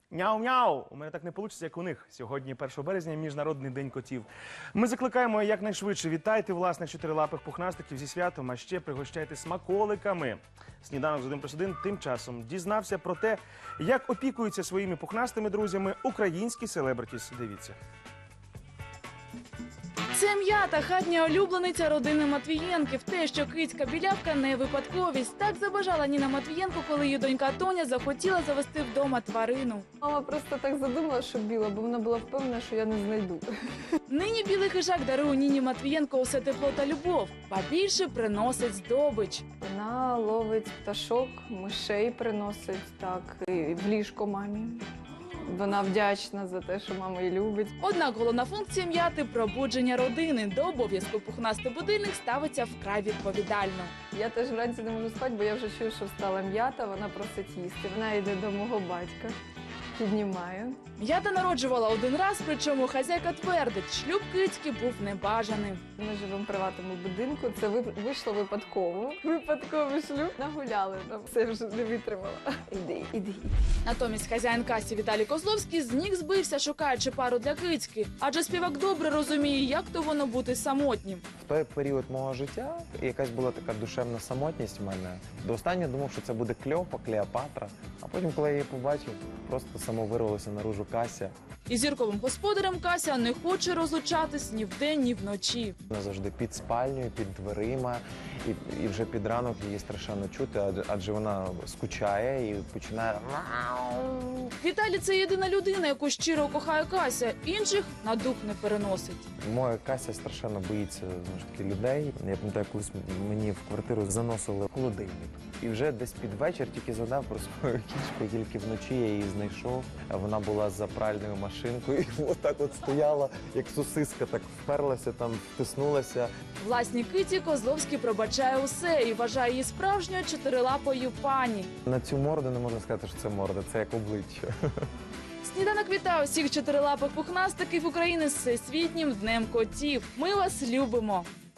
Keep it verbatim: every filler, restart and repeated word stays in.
Няу-няу! У мене так не вийде, як у них. Сьогодні, першого березня, Міжнародний день котів. Ми закликаємо якнайшвидше вітайте власних чотирилапих пухнастиків зі святом, а ще пригощайте смаколиками. Сніданок з один плюс один тим часом дізнався про те, як опікуються своїми пухнастими друзями українські селебритіс. Дивіться. Це м'ята, хатня улюблениця родини Матвієнків. Те, що кицька білявка не випадковість. Так забажала Ніна Матвієнко, коли її донька Тоня захотіла завести вдома тварину. Мама просто так задумала, що біла, бо вона була впевнена, що я не знайду. Нині білий хижак дарує Ніні Матвієнко усе тепло та любов, ба більше приносить здобич. Вона ловить пташок, мишей приносить, так, і в ліжко мамі. Вона вдячна за те, що мама її любить. Однак головна функція м'яти – пробудження родини. До обов'язку пухнастий будильник ставиться вкрай відповідально. Я теж вранці не можу спати, бо я вже чую, що встала м'ята, вона просить їсти. Вона йде до мого батька, піднімає. М'ята народжувала один раз, причому хазяйка твердить, шлюб кицьки був небажаним. Ми живемо в приватному будинку, це вийшло випадково. Випадковий шлюб. Нагуляли, нам все вже не витримала. Іди, іди. Натомість хазяїн касі Віталій Козловський з ніг збився, шукаючи пару для кицьки. Адже співак добре розуміє, як то воно бути самотнім. В той період мого життя якась була така душевна самотність в мене. До останнього думав, що це буде Кльопа, Клеопатра. А потім, коли я її побачив, просто само вирвалося наружу Кася. І зірковим господарем Кася не хоче розлучатись ні вдень, ні вночі. Вона завжди під спальнею, під дверима, і, і вже під ранок її страшенно чути, адже, адже вона скучає і починає... Віталій – це єдина людина, яку щиро кохає Кася, інших на дух не переносить. Моя Кася страшенно боїться, знову ж таки, людей. Я пам'ятаю, колись мені в квартиру заносили холодильник. І вже десь під вечір тільки згадав про свою кішку, тільки вночі я її знайшов. Вона була за пральною машинкою і отак от стояла, як сосиска, так вперлася, там втиснулася. Власній киті Козловський пробачає усе і вважає її справжньою чотирилапою пані. На цю морду не можна сказати, що це морда, це як обличчя. Сніданок вітає усіх чотирилапих пухнастиків України з Всесвітнім днем котів. Ми вас любимо!